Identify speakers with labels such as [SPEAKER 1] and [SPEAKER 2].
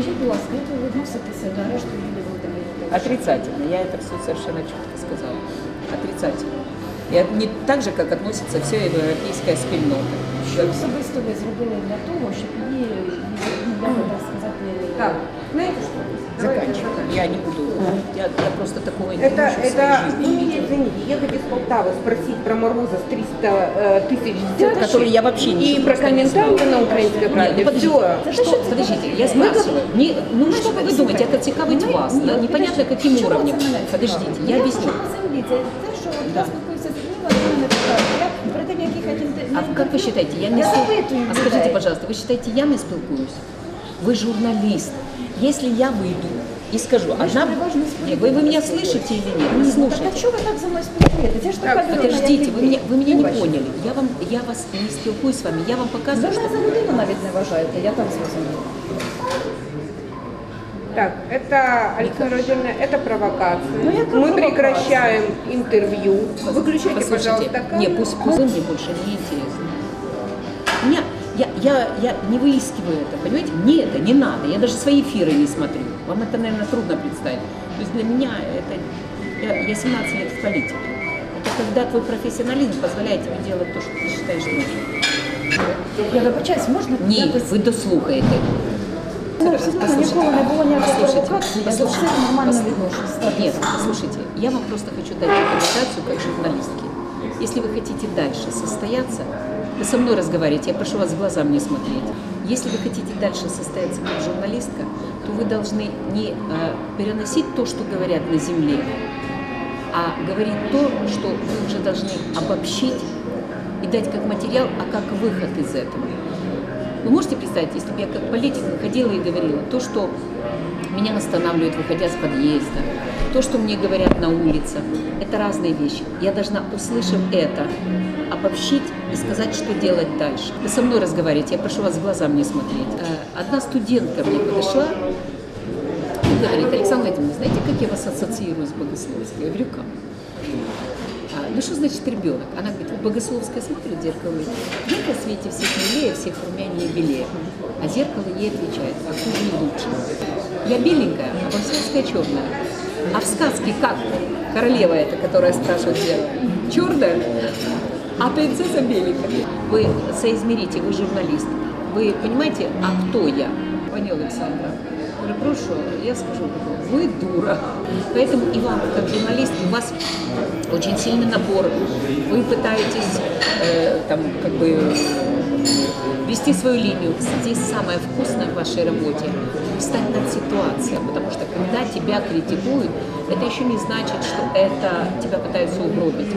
[SPEAKER 1] Скажіть, будь ласка, як ви відноситеся до арешту Юлії Володимирівни?
[SPEAKER 2] Отрицательно. Я это все совершенно четко сказала. Отрицательно. И не так же, как относится вся европейская спільнота.
[SPEAKER 1] Що особисто ви зробили для того, щоб її, так сказати...
[SPEAKER 3] Так, знаете что?
[SPEAKER 2] Заканчиваю. Я не буду. Я просто такого не
[SPEAKER 3] Это
[SPEAKER 2] в своей жизни
[SPEAKER 3] вы
[SPEAKER 2] не
[SPEAKER 3] мне
[SPEAKER 2] видела.
[SPEAKER 3] извините, ехать из Полтавы, спросить про Мороза с 300 тысяч взяток,
[SPEAKER 2] Который я вообще
[SPEAKER 3] и
[SPEAKER 2] ничего
[SPEAKER 3] про
[SPEAKER 2] просто не
[SPEAKER 3] комментарии
[SPEAKER 2] знала.
[SPEAKER 3] на украинской правде.
[SPEAKER 2] Подождите,
[SPEAKER 3] Все.
[SPEAKER 2] что, подождите, я спрашиваю. Ну что вы думаете, это цікавить вас? Да, непонятно каким уровнем. Подождите, я объясню.
[SPEAKER 1] Землі, це те, що я спілкуюся з людьми, вони не питають. Я перед тим, як їхати
[SPEAKER 2] А как вы считаете, я не
[SPEAKER 1] Я
[SPEAKER 2] спілкуюсь?
[SPEAKER 1] запитую
[SPEAKER 2] А скажите,
[SPEAKER 1] людей.
[SPEAKER 2] пожалуйста, вы считаете, я не спілкуюсь? Вы журналист. Если я выйду и скажу, одна...
[SPEAKER 1] переважно
[SPEAKER 2] Нет, вы меня слышите или нет? Вы
[SPEAKER 1] Так
[SPEAKER 2] слушаете.
[SPEAKER 1] а чого ви так зі мною спілкуєтесь? Я ж така людина,
[SPEAKER 2] Подождите,
[SPEAKER 1] як
[SPEAKER 2] вы меня не
[SPEAKER 1] Вибачте.
[SPEAKER 2] поняли. Я вас не спілкуюсь с вами, я вам
[SPEAKER 1] Ви
[SPEAKER 2] показываю,
[SPEAKER 1] мене
[SPEAKER 2] что...
[SPEAKER 1] за людину навіть не вважаєте, я так зрозуміла.
[SPEAKER 3] Так, это, Александра Владимировна, это провокация.
[SPEAKER 1] Ну, яка
[SPEAKER 3] Мы
[SPEAKER 1] провокація?
[SPEAKER 3] прекращаем интервью. Выключайте,
[SPEAKER 2] Послушайте,
[SPEAKER 3] пожалуйста, камеру.
[SPEAKER 2] не, пусть мне больше не интересно. Меня, я не выискиваю это, понимаете? Мне это не надо, я даже свои эфиры не смотрю. Вам это, наверное, трудно представить. То есть для меня это... Я 17 лет в политике. Это когда твой профессионализм позволяет тебе делать то, что ты считаешь нужным.
[SPEAKER 1] Я вибачаюсь, можна
[SPEAKER 2] Ні,
[SPEAKER 1] якось...
[SPEAKER 2] ви дослухаєте.
[SPEAKER 1] Ну, все-таки ніколи не було ніякої провокації, я до всіх нормально відношусь.
[SPEAKER 2] Нет, послушайте, я вам просто хочу дать рекомендацию как журналистке. Если вы хотите дальше состояться, вы со мной разговариваете, я прошу вас в глаза мне смотреть. Если вы хотите дальше состояться как журналистка, то вы должны не переносить то, что говорят на земле, а говорить то, что вы уже должны обобщить и дать как материал, а как выход из этого. Вы можете представить, если бы я как политик выходила и говорила то, что меня останавливают, выходя с подъезда, то, что мне говорят на улицах, это разные вещи. Я должна, услышав это, обобщить и сказать, что делать дальше. Вы со мной разговариваете, я прошу вас в глаза мне смотреть. Одна студентка мне подошла и говорит: Александра Владимировна, знаете, как я вас ассоциирую с Богословской? Я говорю, как? Ну что значит ребенок? Она говорит, вот Богословская смотрит в зеркало и говорит: я в свете всех милее, всех румянее и белее. А зеркало ей отвечает: а хуже и лучше. Я беленькая, а Богословская черная. А в сказке как? Королева эта, которая спрашивает зеркало, черная, а принцесса беленькая. Вы соизмерите, вы журналист. Вы понимаете, а кто я? Пані Олександра, перепрошую, я скажу, вы дура. Поэтому и вам, как журналист, у вас очень сильный напор. Вы пытаетесь там, как бы, вести свою линию. Здесь самое вкусное в вашей работе – встать над ситуацией. Потому что когда тебя критикуют, это еще не значит, что это тебя пытаются угробить.